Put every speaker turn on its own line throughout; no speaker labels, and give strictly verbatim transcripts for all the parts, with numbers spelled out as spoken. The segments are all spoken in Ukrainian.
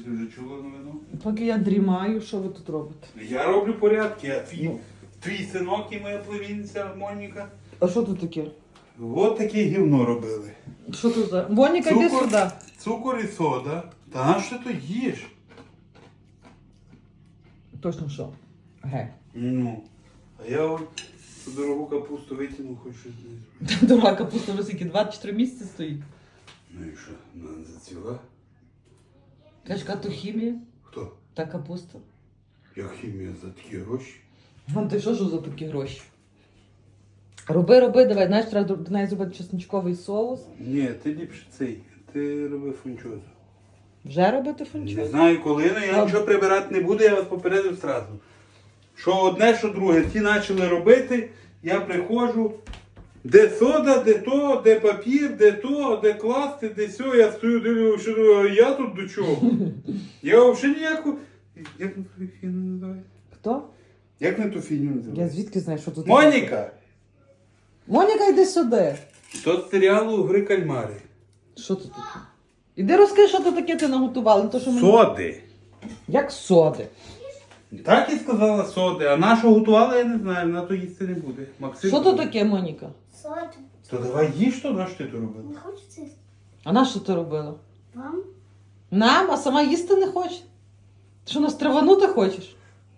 Ти вже чула новину?
Поки я дрімаю, що ви тут робите?
Я роблю порядки, а твій,
Ну.
твій синок і моя племінниця Моніка.
А що тут таке?
От таке гівно робили.
Що тут за? Моніка, йди
Цукор.
сюди.
Цукор і сода. Та на що ти то їш?
Точно що? Ге.
Ну. А я от цю дорогу капусту витягнув, хоч щось знизу.
Дорога капуста вже скільки, два чи три місяці стоїть.
Ну і що, вона не зацвіла?
Кажеш, яка то хімія?
Хто?
Та капуста.
Як хімія за такі гроші?
Вон ти що ж за такі гроші? Роби, роби, давай, знаєш, треба до неї зробити чесничковий соус.
Ні, ти ліпше цей. Ти роби фунчозу.
Вже робити
Не
фунчозу?
знаю коли, але я
А-
нічого прибирати не буду, я вас попередив зразу. Що одне, що друге. Ті почали робити, я приходжу, де сода, де то, де папір, де то, де класти, де сьо. Я стою, дивлюся, що думаю, а я тут до чого? Я взагалі ніяку... Як на ту фігню називається?
Хто?
Як на ту фігню
Я
називається?
звідки знаю, що тут?
Моніка!
Моніка, йди сюди.
То з серіалу «Гри кальмари».
Що тут таке? Іди розкажи, що тут таке ти наготувала. Не то, що мені...
Соди.
Як соди.
Так і сказала соди, а на що готувала, я не знаю, вона то їсти не буде. Максим.
Що тут таке, Моніка?
Салат.
То давай їж то, на що ти то робила?
Не хочеться їсти?
А на що ти робила?
Вам?
Нам, а сама їсти не хоче? Ти що, нас траванути хочеш?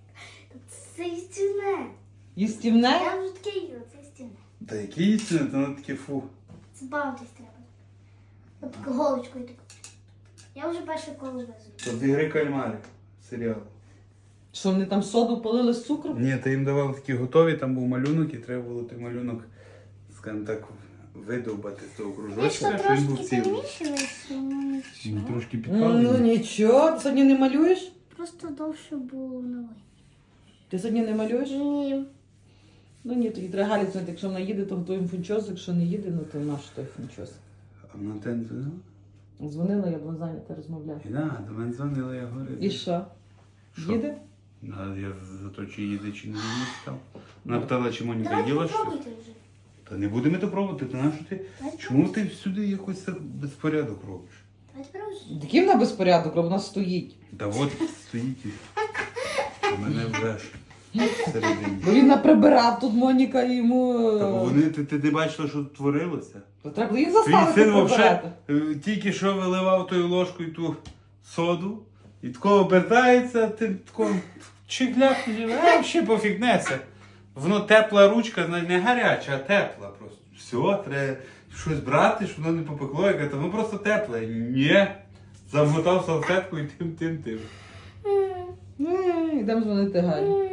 Це істинне.
Їстівне?
Я вже таке їла, це істинне.
Та які істини, то воно таке фу.
Це бавитись треба. От таку голочкою таку. Я вже перше коло везу.
То з «Гри кальмари» серіал.
Що, вони там соду полили з цукром?
Ні, та їм давали такі готові, там був малюнок і треба було той малюнок, скажімо так, видовбати з того
Ти
кружочка,
що
що він був
трошки
цілий.
перемішалась, ну
Ну,
нічого.
трошки
Ну
підпалений.
нічого, ти сьогодні не малюєш?
Просто довше було новий.
Ти сьогодні не малюєш?
Ні.
Ну ні, тоді треба Галі знати, якщо вона їде, то готуємо фунчоз, якщо не їде, ну то наш той фунчоз.
А вона те не дзвонила?
Дзвонила, я була зайнята, розмовляла.
І да, до мене дзвонила, я говорю.
І що?
Що?
Їде?
А я за то, чи їде, чи не їде, питав. Вона питала, чи Моніка
Давайте
їла щось.
попробуйте вже.
Та не будемо то пробувати, то на що ти?
Давайте
Чому ти всюди якось так безпорядок робиш?
Давайте пробуйте.
Такий вона безпорядок, вона стоїть.
Та от стоїть і а мене вже ж всередині.
Бо він наприбирав тут Моніка і йому...
Та бо вони, ти, ти не бачила, що тут творилося?
То треба було їх
Твій
заставити
син взагалі
прибирати.
тільки що виливав тою ложкою ту соду, і такого обертається, ти такого чигляк, а ще пофігнеться. Воно тепла ручка, зна- не гаряча, а тепла просто. Все, треба щось брати, щоб воно не попекло, яке то воно просто тепле. Ні. Замотав салфетку і тим, тим, тим.
М,
Ні, йдемо дзвонити Галі.
м.